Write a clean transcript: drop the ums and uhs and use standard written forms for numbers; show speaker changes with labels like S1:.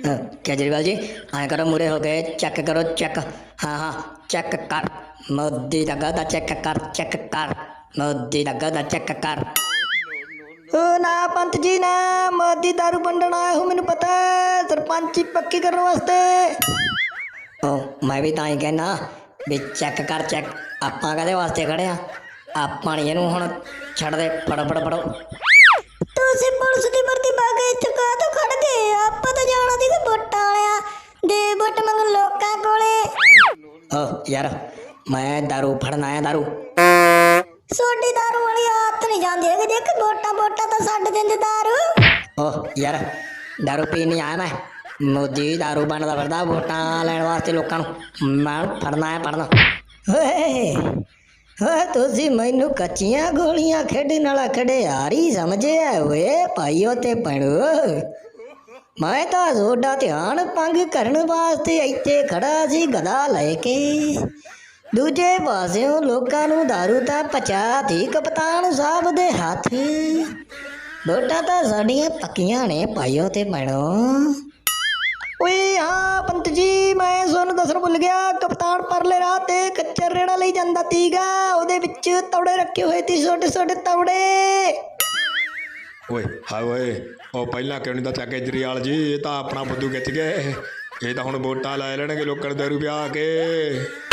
S1: केजरीवाल जी आए करो, मुरे हो गए, चेक करो चेक। हाँ हाँ चेक कर, मोदी दा गधा चेक कर, चेक कर, मोदी दा गधा चेक कर। ओ ना पंत जी ना, मोदी दारू वंडण आया हूँ, मैनू पता है, सरपंची पक्की करने वास्ते। ओ मैं भी तां ही कहना भी चेक कर चेक, आपां काहदे वास्ते खड़े आ, आपां नी इहनूं हुण छड्डदे, फड़ो फड़ो फड़ो।
S2: ਤੁਸੀਂ ਪੁਲਿਸ ਦੀ ਭਰਤੀ ਪਾ ਕੇ ਇੱਥੇ ਕਾਹ ਤੋਂ ਖੜ ਗਏ? ਆਪਾਂ ਤਾਂ ਜਾਣਾ ਸੀ ਵੋਟਾਂ ਵਾਲਿਆਂ ਦੇ ਵੋਟ ਮੰਗਣ ਲੋਕਾਂ ਕੋਲੇ।
S1: ओ यार मैं दारू फड़न आया, दारू।
S2: ਸੋਡੀ ਦਾਰੂ ਵਾਲੀ ਆਦਤ ਨਹੀਂ ਜਾਂਦੀ ਹੈਗੀ, ਦੇਖ ਵੋਟਾਂ ਵੋਟਾਂ ਤਾਂ ਛੱਡ ਦਿੰਦੇ ਦਾਰੂ।
S1: ओ यार दारू पीन नहीं आया मैं, मोदी दारू बनदा फिरदा वोटां लैण वास्ते लोकां नूं, मैं फड़न आया फड़न। ਓਏ ਓਏ ਤੁਸੀਂ ਮੈਨੂੰ ਕੱਚੀਆਂ ਗੋਲੀਆਂ ਖੇਡਣ ਵਾਲਾ ਖਿਡਾਰੀ ਸਮਝਿਆ ਓਏ ਭਾਈਓ ਤੇ ਭੈਣੋ। ਮੈਂ ਤਾਂ ਤੁਹਾਡਾ ਧਿਆਨ ਭੰਗ ਕਰਨ ਵਾਸਤੇ ਇੱਥੇ ਖੜਾ ਸੀ ਗਦਾ ਲੈ ਕੇ, ਦੂਜੇ ਪਾਸਿਓਂ ਲੋਕਾਂ ਨੂੰ ਦਾਰੂ ਤਾਂ ਪਹੁੰਚਾਤੀ ਕਪਤਾਨ ਸਾਹਿਬ ਦੇ ਹੱਥ। ਵੋਟਾਂ ਤਾਂ ਸਾਡੀਆਂ ਪੱਕੀਆਂ ਨੇ ਭਾਈਓ ਤੇ ਭੈਣੋ। ਓਏ ਹਾਂ ਪੰਤ ਜੀ, ਮੈਂ ਤੁਹਾਨੂੰ ਦੱਸਣ ਭੁੱਲ ਗਿਆ, ਕਪਤਾਨ ਪਰਲੇ ਰਾਹ ਤੇ ਕੱਚਾ ਰੇੜਾ ਲਈ ਜਾਂਦਾ ਤੀਗਾ, ਉਹਦੇ ਵਿੱਚ ਤੌੜੇ ਰੱਖੇ ਹੋਏ ਸੀ, ਛੋਟੇ ਛੋਟੇ ਤੌੜੇ।
S3: ਓਏ ਹਾਏ ਓਏ, ਉਹ ਪਹਿਲਾਂ ਕਿਉਂ ਨਹੀਂ ਦੱਸਿਆ ਕੇਜਰੀਵਾਲ ਜੀ? ਇਹ ਤਾਂ ਆਪਣਾ ਬੁੱਧੂ ਖਿੱਚ ਗਏ, ਇਹ ਤਾਂ ਹੁਣ ਵੋਟਾਂ ਲੈ ਲੈਣਗੇ ਲੋਕਾਂ ਨੂੰ ਦਾਰੂ ਪਿਆ ਕੇ।